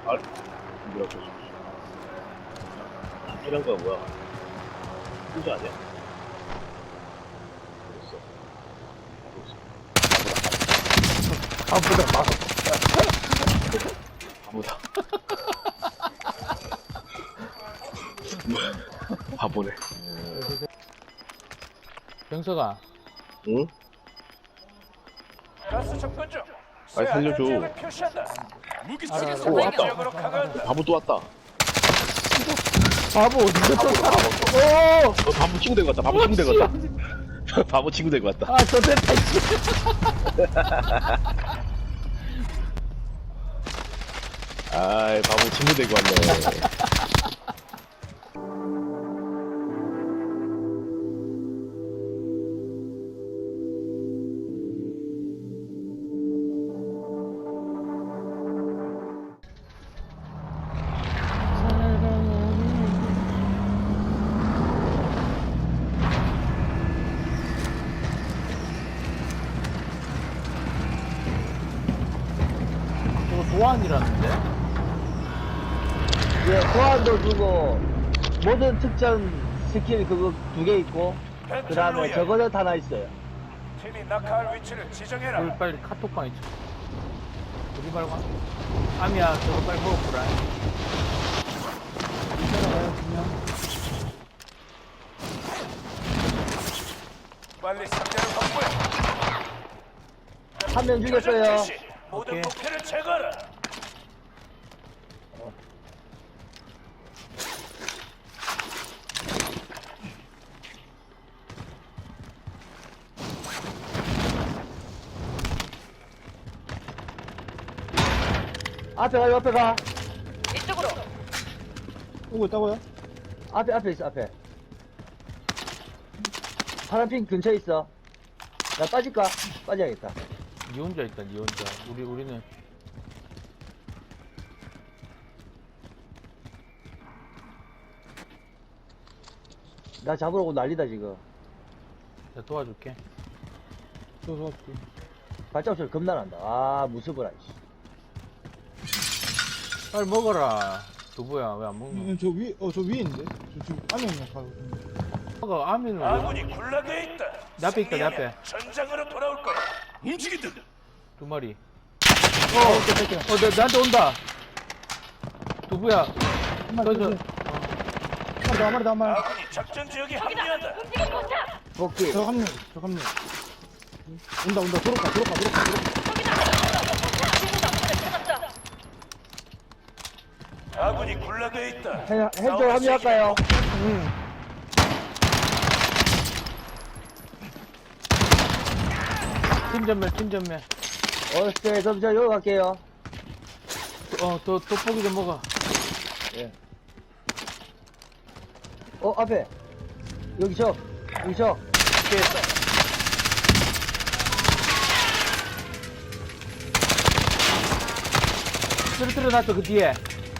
아, 뭐야, 저, 이런 거야, 뭐야. 혼자 아니야? 어딨어? 아보다 막. 바보다. 바보네. 병서가 응? 가스 접근 중. 빨리 살려줘. 지역을 표시한다. 무기 알아, 쪽에 알아. 서 오, 왔다. 지역으로 강화한다. 바보 또 왔다. 바보 어디서 또 살아? 오! 바보 친구 된거 같다. 바보 친구 된거 같다. 바보 친구 된거 같다. 아, 저 됐다, 씨. 아이, 바보 친구 된거 같네. 저거 도안이라는데? 예, 소환도 주고 모든 특전 스킬 그거 2개 있고 그 다음에 저거는 하나 있어요. 팀이 낙하할 위치를 지정해라. 우리 빨리 카톡방에 쳐. 우리 말고. 아미야, 저거 빨리 먹어보라. 이따라가요, 그냥. 빨리 상대를 확보해. 한 명 죽였어요. 지시. 모든 오케이. 목표를 제거하라. 앞에 가, 옆에 가. 이쪽으로. 오고 있다고요? 앞에 있어, 앞에. 파란핑 근처에 있어. 나 빠질까? 빠져야겠다. 니 혼자 있다, 니 혼자. 우리는. 나 잡으러 오고 난리다, 지금. 내가 도와줄게. 도와줄게. 발자국 소리 겁나 난다. 아, 무서워라, 씨. 빨리 먹어라. 두부야, 왜 안 먹노? 저 위에 있는데? 저 지금 안에 있는 거 가고 있는데. 먹어, 아미는 왜? 아군이 굴락에 있다. 내 앞에 있다, 내 승리하면 앞에. 전장으로 돌아올 거야. 움직인다. 두 마리. 나한테 온다. 두부야. 한 마리 저, 더, 한 마리 더, 한 마리 더. 아군이 작전 지역에 합류한다. 움직임 포착. 복귀. 저 합류. 온다. 들어가. 찾았다. 아군이 굴락에 있다. 헬조 합류할까요? 팀 전멸. 네, 그럼 저 여기 갈게요. 떡볶이 좀 먹어. 앞에. 여기 저. 쓰러뜨려 놨어, 그 뒤에.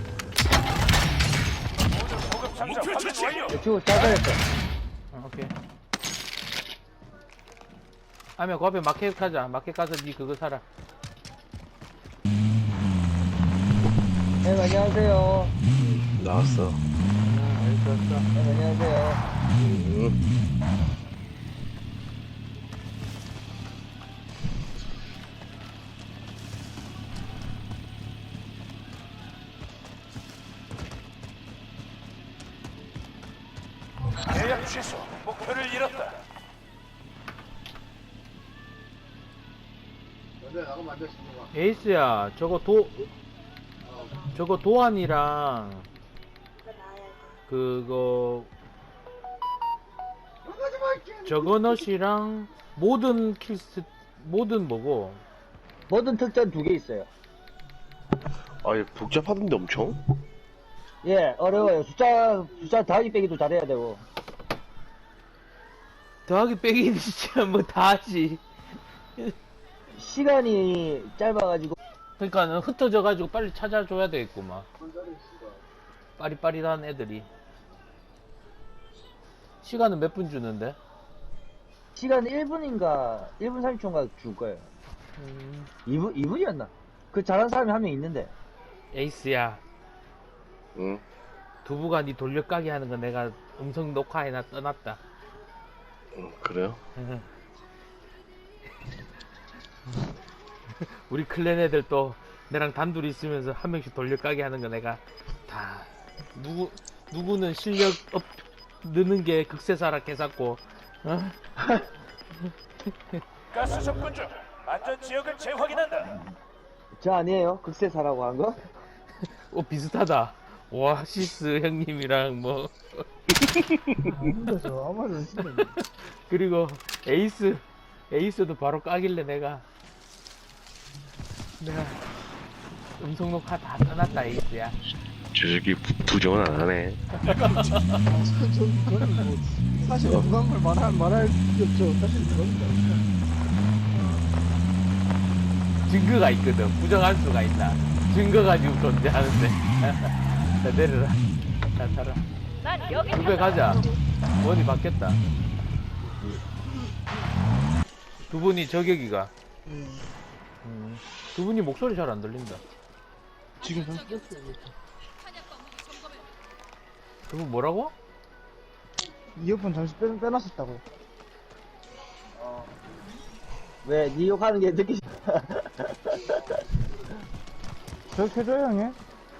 보급 상자 확인 완료. 지금 잘 살렸어. 오케이. 아미야, 그 앞에 마켓 가자. 마켓 가서 니 그거 사라. 네, 안녕하세요. 나왔어. 알겠어. 네, 안녕하세요. 계약 취소. 목표를 잃었다. 에이스야, 저거 도안이랑, 그거, 저거넛이랑, 모든 뭐고, 모든 특전 2개 있어요. 아니, 복잡하던데 엄청? 예, 어려워요. 숫자 더하기 빼기도 잘해야 되고. 더하기 빼기는 진짜 뭐 다 하지. 시간이 짧아가지고. 그러니까 흩어져가지고 빨리 찾아줘야 되겠구만. 빠릿빠릿한 애들이. 시간은 몇 분 주는데? 시간 1분인가, 1분 30초인가 줄 거예요. 2분이었나? 그 잘하는 사람이 한 명 있는데. 에이스야, 응. 두부가 니 돌려까기 하는 거 내가 음성 녹화해놔 떠났다. 응, 그래요? 우리 클랜 애들 또 내랑 단둘이 있으면서 한 명씩 돌려까기 하는 거 내가 다 누구는 실력 느는 게 극세사라 개쌌고, 어? 가스 접근 중. 안전 지역을 재확인한다. 저 아니에요? 극세사라고 한 거? 비슷하다. 오아시스 형님이랑 뭐 진짜 저 아무 말도 안 쓰네. 그리고 에이스도 바로 까길래 내가 음성 녹화 다 떠났다 에이스야. 저 새끼 부정은 안 하네. 저는 뭐 사실 누가 걸 말할 게 없죠. 사실 그겁니다. 증거가 있거든. 부정할 수가 있나. 증거가 지금 존재하는데. 자 내려라. 자 타라. 난 여기 두배 가자. 원이 바뀌었다. 두 분이 저격이가. 두 분이 목소리 잘 안 들린다. 지금 잠시 뺐어요. 두 분 뭐라고? 이어폰 잠시 빼놨었다고요. 왜, 니 욕하는 게 듣기 싫어. 저렇게 해줘요, 형님?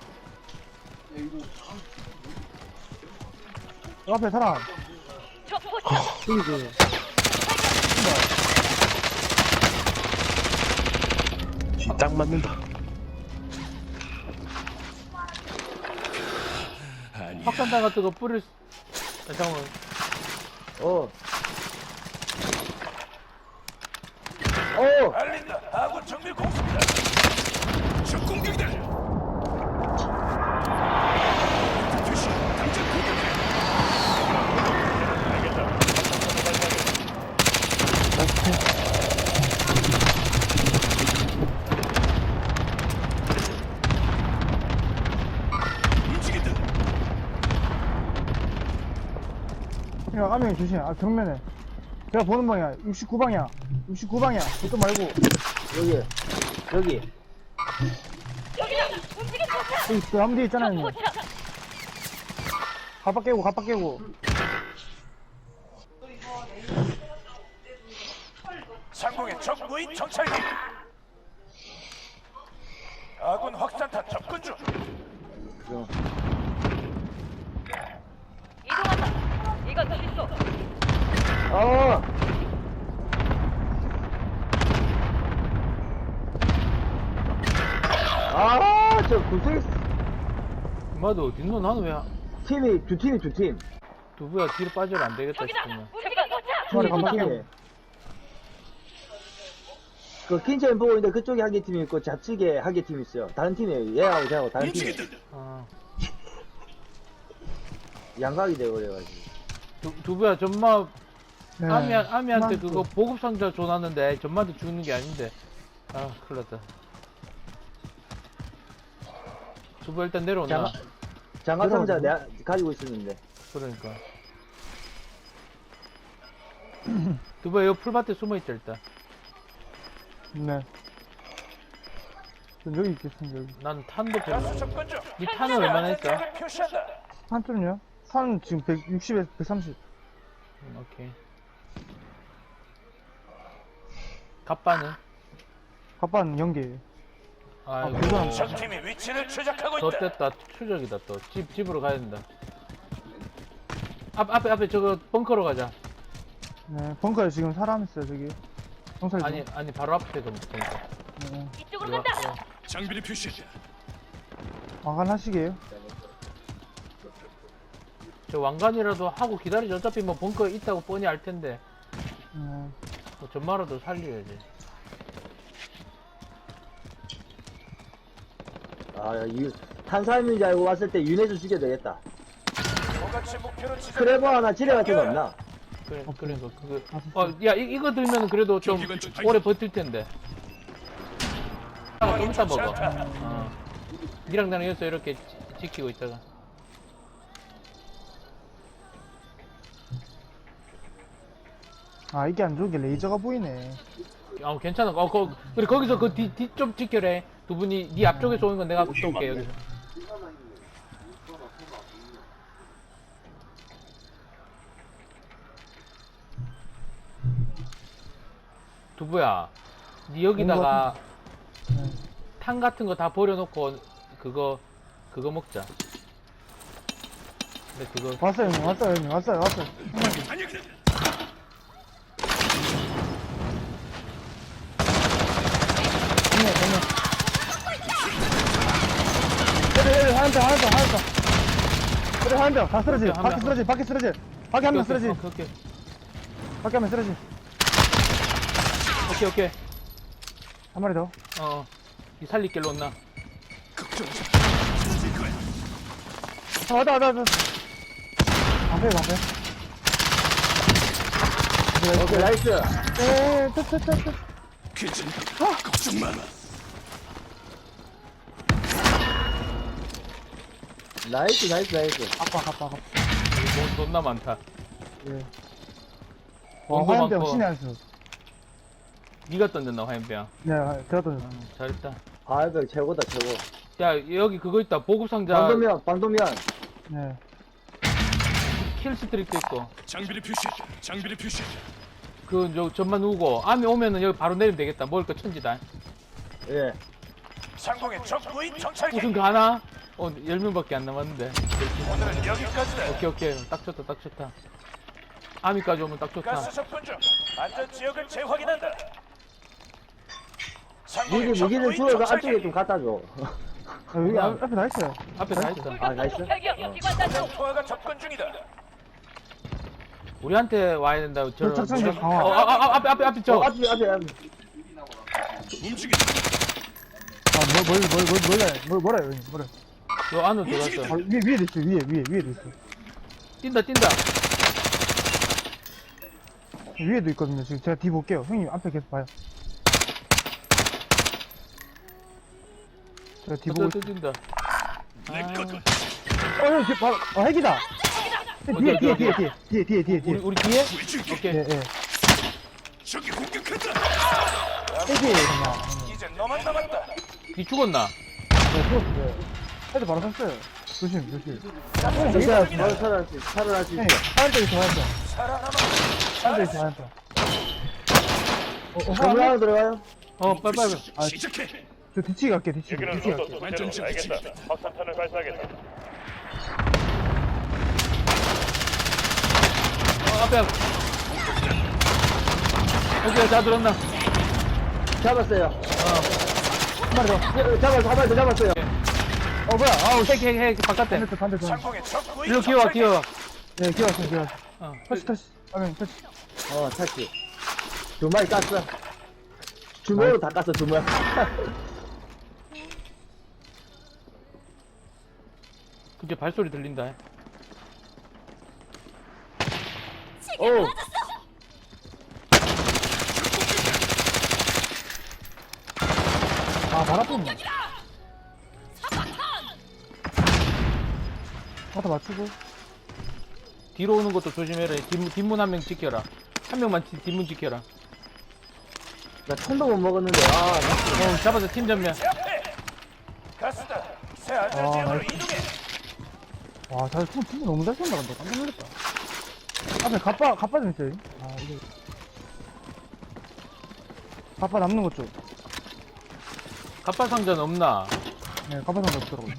앞에 사람. 저 포착. 여기 딱 맞는다. 확산탄 같은 거 뿌릴 수... 잠깐만. 어. 어! 알린다. 아군 정밀 공습이다. 적 공격이다. 표시. 당장 공격해. 알겠다. 움직인다. 야, 아명이 조심. 아, 정면에. 제가 보는 방향. 69방향. 69방향. 그것도 말고. 여기. 여기다. 움직임 포착. 여기 그 함대 있잖아요, 형님. 포착. 갑박 깨고. 상공의 적 무인 정찰기. 아군 확산탄 접근 중. 이동한다. 이건 실수. 어! 아, 저 구슬 엄마도 뒷눈 나는 왜 팀이 두 팀. 두부야 뒤로 빠져도 안 되겠다 저기다. 싶으면. 움직임 포착. 저리 두 가볼게요. 팀이. 그 킨첸 보고 있는데 그쪽에 한 개 팀이 있고 좌측에 한 개 팀이 있어요. 다른 팀이에요. 얘하고 저하고 다른 팀이. 아, 양각이 돼버려가지고. 두부야 전마 네. 아미한테 그만 그거 보급 상자 줘놨는데 전마한테 주는 게 아닌데. 아 큰일났다. 두부 일단 내려온다. 장갑 상자 내가 가지고 있었는데. 그러니까. 두부야 여기 풀밭에 숨어있자 일단. 네. 전 여기 있겠습니다, 여기. 난 탄도 별로. 가스 접근 중. 니 탄은 얼마나 했어? 안전 지역을 표시한다. 한쪽은요? 산 지금 160에서 130. 오케이. 갑바는? 갑반 연계예요. 아이고. 그건 적 팀이 위치를 추적하고 더 있다. 뗐다. 추적이다 또. 집으로 가야 된다. 앞에 저거 벙커로 가자. 네, 벙커에 지금 사람 있어요, 저기. 경찰. 아니 바로 앞에 그 벙커. 네. 이쪽으로 이리 와, 간다. 이리 와. 장비를 표시한다. 왕관하시게요? 저 왕관이라도 하고 기다리자. 어차피 뭐 벙커에 있다고 뻔히 알 텐데. 네. 뭐 전마라도 살려야지. 아, 탄사임인 줄 알고 왔을 때 윤회주 죽여야 되겠다. 저같이 목표로 지정. 크레버 하나 지뢰 같은 거 없나? 그러니까 그거. 야 이거 들면 그래도 좀 오래 버틸 텐데. 좀 이따 먹어. 니랑 나랑 여기서 이렇게 지키고 있다가. 아, 이게 안 좋은 게 레이저가 보이네. 괜찮아. 그래 거기서 그 뒤 좀 지켜래. 두 분이 네 앞쪽에서 오는 건 내가 쏠게 여기서. 두부야, 네 여기다가 네. 탄 같은 거 다 버려놓고 그거 먹자. 근데 그거 왔어요, 형님. 왔어요, 형님. 왔어요. 그래, 하나 더. 그래, 하나 더. 다 쓰러지. 오케이, 한 명. 밖에 쓰러지. 밖에 한 명 쓰러지. 오케이. 밖에 한 명 쓰러지. 오케이. 한 마리 더. 이 살릴 길로 온나? 왔다. 방패. 오케이, 나이스. 에, 괜찮아. 걱정 마. 나이스. 아빠. 여기 존나 많다. 예. 원고 와, 화염병 많고. 신의 한 수. 네가 던졌나 화염병? 네, 제가 던졌어. 잘했다. 화염병 최고다, 최고. 야 여기 그거 있다. 보급 상자. 방도면. 네. 킬 스트릭도 있고. 장비를 표시. 그 전만 누우고 암이 오면은 여기 바로 내리면 되겠다. 먹을 거 천지다. 예. 상공의 적 무인 정찰기. 무슨 가나? 10명밖에 안 남았는데. 오늘은 여기까지다. 오케이. 딱 좋다. 아미까지 오면 딱 좋다. 가스 접근 중. 안전 지역을 재확인한다. 무기, 상공의 적 무기는 무인 주워서 앞쪽에 정찰기. 좀 갖다 줘. 여기 앞에 다 있어요. 앞에 다 있어. 아, 나이스. 혈기형 기관 단속. 투하가 접근 중이다. 우리한테 와야 된다. 저 착상자 강화. 앞에 저. 앞에. 움직인다. 뭐래요, 형님. 뭐래. 저 안으로 들어갔어. 위에도 있어, 위에도 있어. 뛴다. 위에도 있거든요. 지금 제가 뒤 볼게요. 형님 앞에 계속 봐요. 제가 뒤 보고 있어요. 뛴다. 내 거군. 형, 뒤에 바로, 핵이다! 뒤에. 우리 뒤에? 보여줄게. 오케이. 예. 적이 공격한다. 핵이에요, 그냥. 이제 너만 남았다. 니 죽었나? 네, 죽었어요. 헤드 바로 샀어요. 조심. 진짜 바로 살아날 수 있어. 형님, 하얀색이 좋아했어. 살아남아. 하얀색이 좋아했어. 건물 하나 들어가요? 빨리. 시작해. 저 뒤치기 갈게, 뒤치기. 완전 지키지. 앞에. 오케이, 다 들었나? 잡았어요. 한 마리 더. 한 마리 더 잡았어요. 뭐야. 아우, 핵, 바깥에. 반대. 상공의 적 무인 일로 정찰기. 기어. 네, 기어왔어. 어. 터치. 아니, 터치. 타치. 두 마리 깠어. 주먹으로 다 깠어, 주먹. 근데 발소리 들린다. 오. 발 아프네. 갖다 맞추고. 뒤로 오는 것도 조심해라. 뒷문 한 명 지켜라. 한 명만 뒷문 지켜라. 나 총도 못 먹었는데, 잡아서 팀 전면. 제 앞에. 가스다. 새 안전 지역으로 나이스. 이동해. 와, 진짜 너무 잘 쏜다, 근데. 깜짝 놀랐다. 앞에 갑바 좀 있어요. 이게. 갑바 남는 것 좀. 갑바 상자는 없나? 네, 갑바 상자 없더라고요.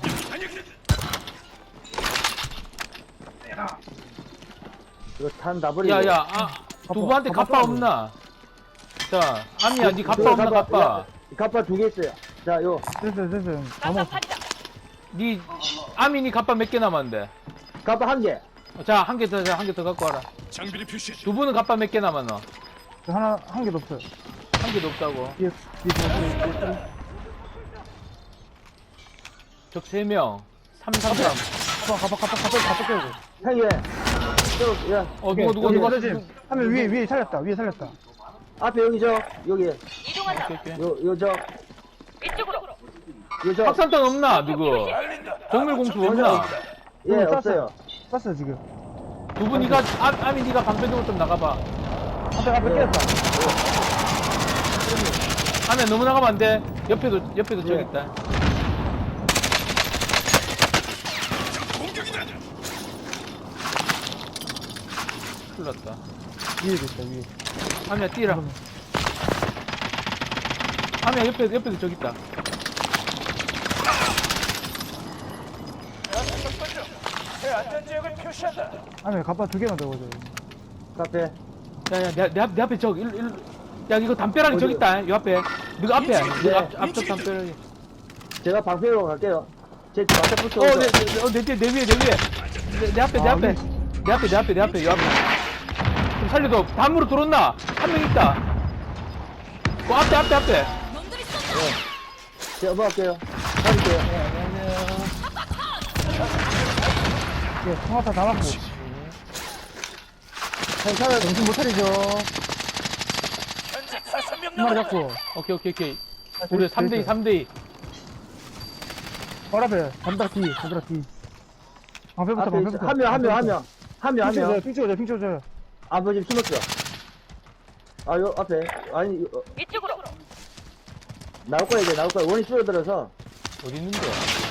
이거 탄 다 버리고. 두부한테 갑바 갑바 없나? 자, 아미야, 니 갑바 없나, 갑바? 갑바 두 개 있어요. 자, 요. 됐어요. 다 먹었어. 난장판이다. 니, 아미 니 갑바 몇 개 남았는데? 갑바 한 개. 자, 한 개 더 갖고 와라. 장비를 표시해. 두부는 갑바 몇 개 남았노? 한 개도 없어요. 한 개도 없다고. 뒤에 적 3명. 333. 갑바 깨고. 형이 왜? 야, 누가. 하면 위에 살렸다. 앞에 여기 여기. 이동한다. 요 이쪽으로. 확산탄 없나, 누구? 알린다. 정밀 공수 없나? 예, 없어요. 쐈어요, 지금. 두부 니가, 아미 니가 방패적으로 좀 나가봐. 앞에 깼다. 안에 너무 나가면 안 돼. 옆에도 저기 예. 있다. 공격이다. 큰일 났다. 위에도 있다, 위에. 아미야, 뛰라. 아미야, 옆에도 저기 있다. 접근 중. 새 안전 지역을 표시한다. 아니, 갑바 2개만 더 보자. 카페. 야, 내 앞에 저기, 일로. 야, 이거 담벼락이 저기 있다. 요 앞에. 너가 앞에. 네. 너가 앞쪽 담벼락이. 제가 방패로 갈게요. 제 앞에부터. 내 위에. 내 앞에. 요 앞에. 좀 살려줘. 담으로 들어온나? 한 명 있다. 앞에. 제가 먹을게요. 가릴게요. 예, 통화타 다 맞고. 괜찮아요. 정신 못 차리죠. 현재 5명 한 마리 남았다. 잡고. 오케이. 우리 3대2. 바로 앞에, 담벼락 뒤. 방패부터, 앞에 방패부터. 한 명. 핑 찍어줘요. 아버지 숨었어. 아, 요 앞에. 아니, 이쪽으로. 나올 거야. 원이 줄어들어서. 어디 있는데?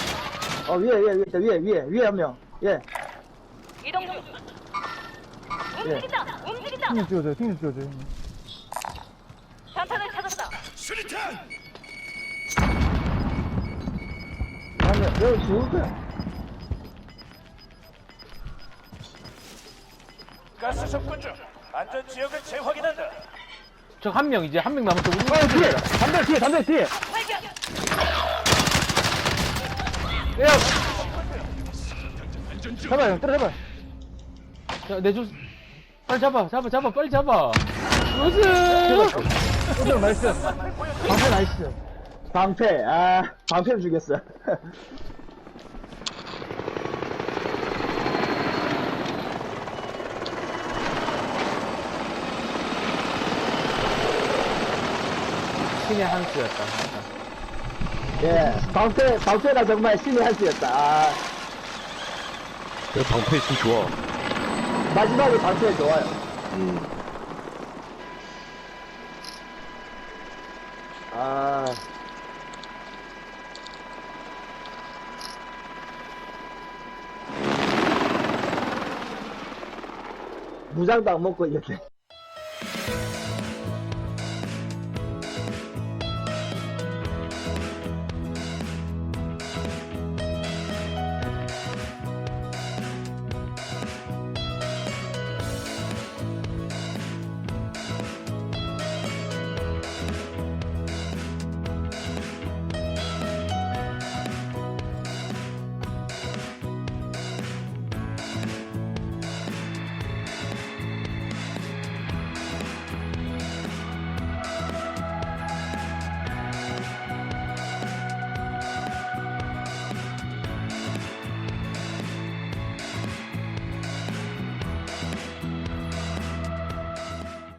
위에 한 명. 예. 이동 중. 움직인다. 핑 좀 찍어줘요. 단탄을 찾았다. 수리탄. 한 명. 여기 죽을 거야. 가스 접근 중. 안전 지역을 재확인한다. 저 한 명 남았어. 우리 뒤에! 담벼락 뒤에! 발견. 야, 잡아요, 형, 때려잡아요. 야, 빨리 잡아, 빨리 잡아. 우승! 형, 나이스. 방패 나이스. 방패를 죽였어. 신의 한 수였다. 예. 방패가 정말 신의 한 수였다. 방패 있으면 좋아. 마지막에 방패 좋아요. 무장도 안 먹고 이렇게.